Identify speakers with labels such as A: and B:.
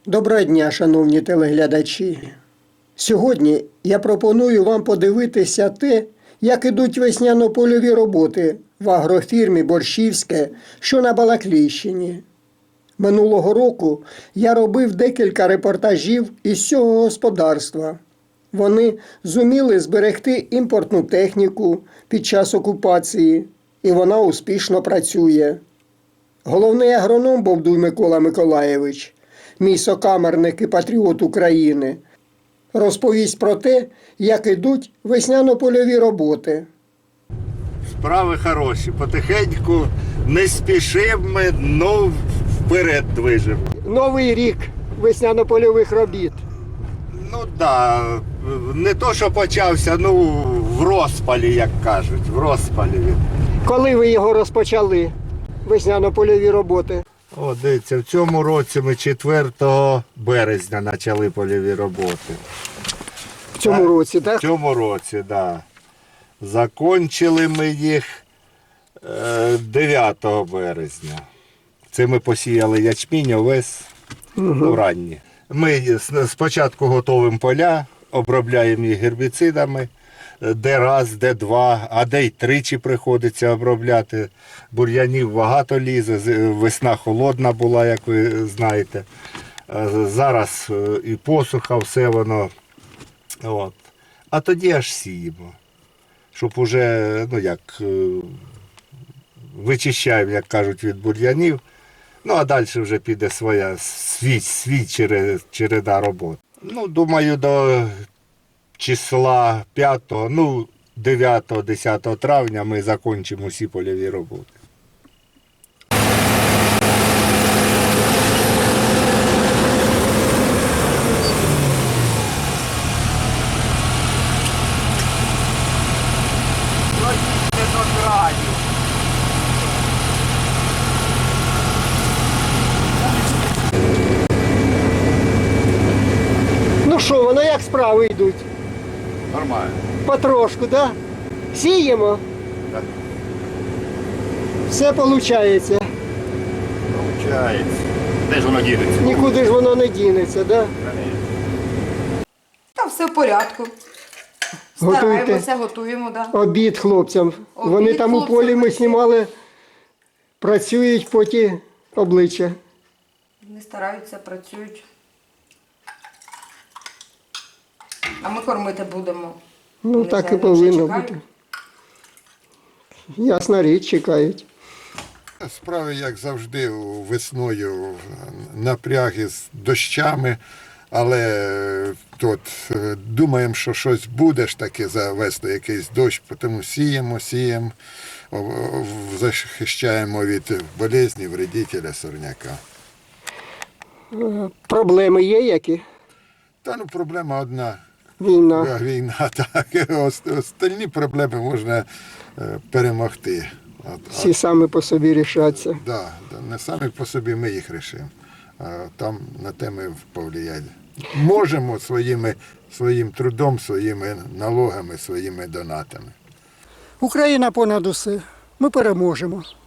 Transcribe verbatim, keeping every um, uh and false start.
A: Доброго дня, шановні телеглядачі. Сьогодні я пропоную вам подивитися те, як ідуть весняно-польові роботи в агрофірмі «Борщівське», що на Балаклійщині. Минулого року я робив декілька репортажів із цього господарства. Вони зуміли зберегти імпортну техніку під час окупації, і вона успішно працює. Головний агроном Бовдуй Микола Миколайович, мій сокамерник і патріот України, розповість про те, як ідуть весняно-польові роботи.
B: Справи хороші, потихеньку не спішимо ми, ну вперед движемо.
A: Новий рік весняно-польових робіт.
B: Ну так, да, не то, що почався, ну в розпалі, як кажуть, в розпалі він.
A: Коли ви його розпочали, весняно-польові роботи?
B: О, дивіться, в цьому році ми четвертого березня почали польові роботи.
A: В цьому році, так?
B: В цьому році, так. Да. Закончили ми їх дев'ятого березня. Це ми посіяли ячмінь, овес,
A: Угу.
B: ну, ранні. Ми спочатку готуємо поля, обробляємо їх гербіцидами, де раз, де два, а де й тричі приходиться обробляти. Бур'янів багато лізе, весна холодна була, як ви знаєте. Зараз і посуха, все воно. От. А тоді аж сіємо, щоб уже, ну як, вичищаємо, як кажуть, від бур'янів. Ну, а далі вже піде своя, свій, свій череда робот. Ну, думаю, до числа п'ятого, ну, дев'ятого-десятого травня ми закінчимо всі польові роботи.
A: Ну що, воно як справи йдуть?
B: Нормально.
A: Потрошку, так? Да? Сіємо?
B: Так.
A: Все виходить.
B: Получається. Де ж воно дінеться?
A: Нікуди ж воно не дінеться, так? Да?
C: Та все в порядку.
A: Готуйте.
C: Стараємося, готуємо, да.
A: Обід хлопцям.
C: Обід
A: Вони там у
C: хлопцям
A: полі ми
C: працюють.
A: знімали, працюють поті обличчя.
C: Вони стараються, працюють. А ми кормити будемо.
A: Ну
C: Вони
A: так і
C: вже- вже
A: повинно
C: чекають.
A: бути. Ясна річ, чекають.
D: Справи, як завжди, весною напряги з дощами, але тут е, думаємо, що щось буде ж таки за весну, якийсь дощ, тому сіємо, сіємо, о- о- захищаємо від болезні, вредителя, сорняка.
A: Проблеми є які?
D: Та ну проблема одна.
A: Війна.
D: Війна, так. Ост- Остальні проблеми можна е, перемогти. От, а
A: Всі самі по собі рішаться.
D: Да, да, не самі по собі ми їх рішимо. А там на те ми повлияти. Можемо своїми, своїм трудом, своїми налогами, своїми донатами.
A: Україна понад усе. Ми переможемо.